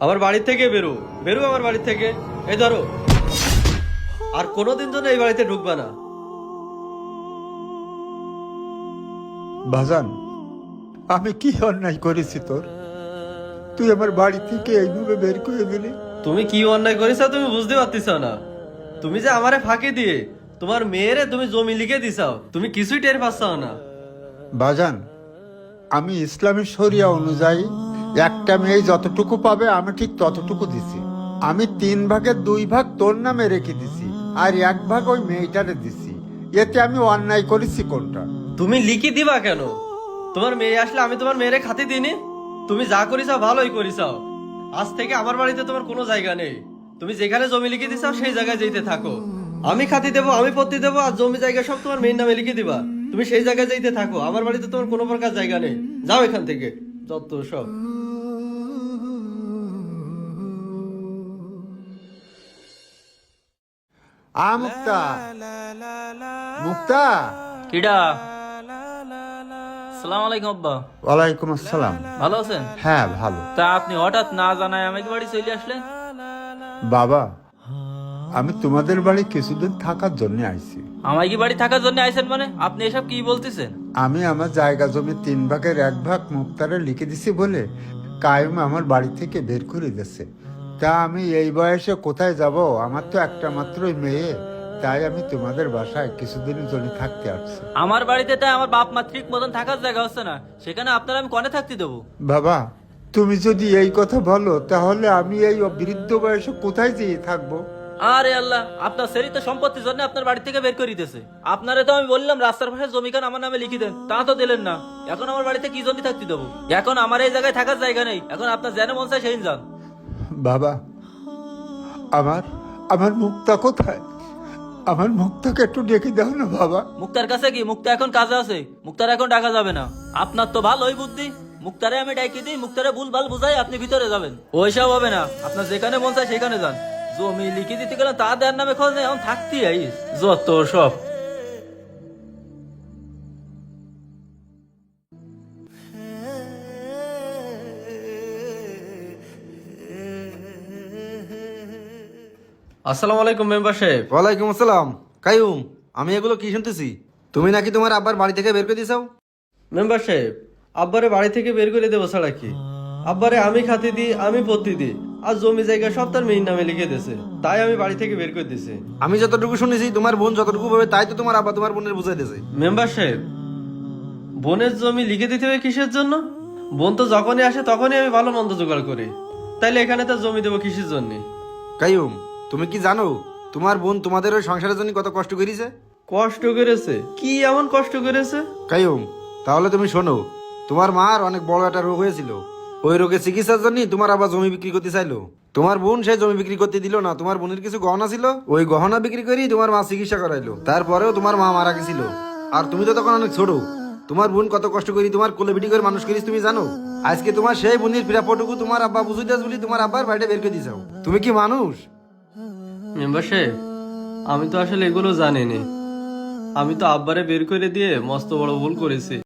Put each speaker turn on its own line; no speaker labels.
আমার বাড়ি থেকে বেরো, বেরো আমার বাড়ি থেকে। এই ধরো, আর কোনোদিন জন্য এই বাড়িতে ঢুকবা না।
বাজান, আমি কি অন্যায় করেছি তোর? তুই আমার বাড়ি থেকে এইভাবে বের করে দিলি।
তুমি কি অন্যায় করেছো তুমি বুঝতে পারতেছ না। তুমি যে আমারে ফাঁকি দিয়ে তোমার মেয়েরে তুমি জমি লিখে দিছাও, তুমি কিছুই টের পাচ্ছাও না।
বাজান, আমি ইসলামী শরিয়া অনুযায়ী একটা মেয়ে যতটুকু পাবে আমি ঠিক ততটুকু দিছি। আমি 3 ভাগের 2 ভাগ তোর নামে রেখে দিছি, আর 1 ভাগ ওই মেয়েটারে দিছি। এতে আমি অন্যায় করেছি কোনটা?
তুমি লিখি দিবা কেন? তোমার মেয়ে আসলে আমি তোমার মেয়েরে খাতি দিইনি? তুমি যা করিছাও ভালোই করিছাও। আজ থেকে আমার বাড়িতে তোমার কোনো জায়গা নেই। তুমি যেখানে জমি লিখে দিছাও সেই জায়গায় যেতে থাকো। আমি খাতি দেবো, আমি পত্তি দেবো, আর জমি জায়গা সব তোমার মেয়ের নামে লিখে দিবা। তুমি সেই জায়গায় যেতে থাকো। আমার বাড়িতে তোমার কোনো প্রকার জায়গা নেই। যাও এখান থেকে, যত সব।
মুক্তা, মুক্তা।
কিডা? আসসালামু আলাইকুম আব্বা।
ওয়ালাইকুম আসসালাম।
ভালো আছেন?
হ্যাঁ, ভালো।
তা আপনি হঠাৎ না জানায় আমাকে বাড়ি চলে আসলেন?
বাবা, আমি তোমাদের বাড়ি কিছুদিন থাকার জন্য আইছি।
আমায় কি বাড়ি থাকার জন্য আইছেন মানে? আপনি এসব কি বলতেছেন?
আমি আমার জায়গা জমি 3 ভাগের 1 ভাগ মুক্তারে লিখে দিছি বলে কায়েম আমার বাড়ি থেকে বের করে দিয়েছে। তা আমি এই বয়সে কোথায় যাব? আমার তো একটা মাত্রই মেয়ে। তাই আমি তোমাদের বাসায় কিছুদিনের জন্য থাকতে আসছি।
আমার বাড়িতে তাই আমার বাপ মা ঠিক মতন থাকার জায়গা হচ্ছে না, সেখানে আপনারা আমি কনে থাকতে দেবো?
বাবা, তুমি যদি এই কথা বলো তাহলে আমি এই বৃদ্ধ বয়সে কোথায় যেয়ে থাকবো?
আরে আল্লাহ, আপনার সেরিত সম্পত্তির জন্য আপনার বাড়ি থেকে বের করে দিতেছে। আপনারে তো আমি বললাম রাস্তার পাশে জমিখান আমার নামে লিখে দেন, তা তো দিলেন না। এখন আমার বাড়িতে কি জন্য থাকতে দেবো? এখন আমার এই জায়গায় থাকার জায়গা নেই। এখন আপনার যেন মন চায় সেই যান।
বাবা, আমার আমার মুক্তা কোথায়? আমার মুক্তাকে একটু ডেকে দাও না বাবা।
মুক্তার কাছে কি? মুক্তা এখন কাজে আছে, মুক্তার এখন ডাকা যাবে না। আপনার তো ভালোই বুদ্ধি। মুক্তারে আমি ডাকি দিই, মুক্তারে ভুলভাল বুঝাই, আপনি ভিতরে যাবেন। ওইসব হবে না, আপনার যেখানে মন চায় সেখানে যান। জমি লিখে দিতে গেলে তা দেওয়ার নামে খোঁজ নেই, এখন থাকতেই আইস যত সব।
আসসালামু আলাইকুম মেম্বার সাহেব।
ওয়ালাইকুম আসসালাম। কাইয়ুম, আমি এগুলো কি শুনতেছি? তুমি নাকি তোমার আব্বার বাড়ি থেকে বের করে দিয়েছো?
মেম্বার সাহেব, আব্বারে বাড়ি থেকে বের করে দেবো ছাড়া কি? আব্বারে আমি খাতি দিই, আমি পত্তি দিই, আর জমি জায়গা সব তার মেয়ের নামে লিখে দিয়েছে। তাই আমি বাড়ি থেকে বের করে দিয়েছি।
আমি যতটুকু শুনেছি তোমার বোন যতটুকু পাবে তাই তো তোমার আব্বা তোমার বোনের বুঝাই দিয়েছে।
মেম্বার সাহেব, বোনের জমি লিখে দিতে হবে কিসের জন্য? বোন তো যখনই আসে তখনই আমি ভালো মন্দ জোগাড় করি। তাইলে এখানে তো জমি দেবো কিসের জন্য?
কাইয়ুম, তুমি কি জানো তোমার বোন তোমাদের ওই সংসারের জন্য কত কষ্ট করেছে?
কষ্ট করেছে? কি এমন কষ্ট করেছে?
কাইয়ুম, তাহলে তুমি শোনো, তোমার মার অনেক বড় একটা রোগ হয়েছিল। ওই রোগের চিকিৎসার জন্য তোমার আবার জমি বিক্রি করতে চাইলো। তোমার বোন সেই জমি বিক্রি করতে দিল না। তোমার বোনের কিছু গহনা ছিল, ওই গহনা বিক্রি করেই তোমার মা চিকিৎসা করাইলো। তারপরেও তোমার মা মারা গেছিল। আর তুমি তো তখন অনেক ছোট। তোমার বোন কত কষ্ট করি তোমার কোলে পিটি করে মানুষ করিস তুমি জানো? আজকে তোমার সেই বোনের প্রাপ্যটুকু তোমার আব্বা বুঝিতে বলি তোমার আব্বার বাড়িতে বের করে দিয়েছো। তুমি কি মানুষ?
মেম্বার সাহেব, আমি তো আসলে এগুলো জানিনি। আমি তো আব্বারে বের করে দিয়ে মস্ত বড় ভুল করেছি।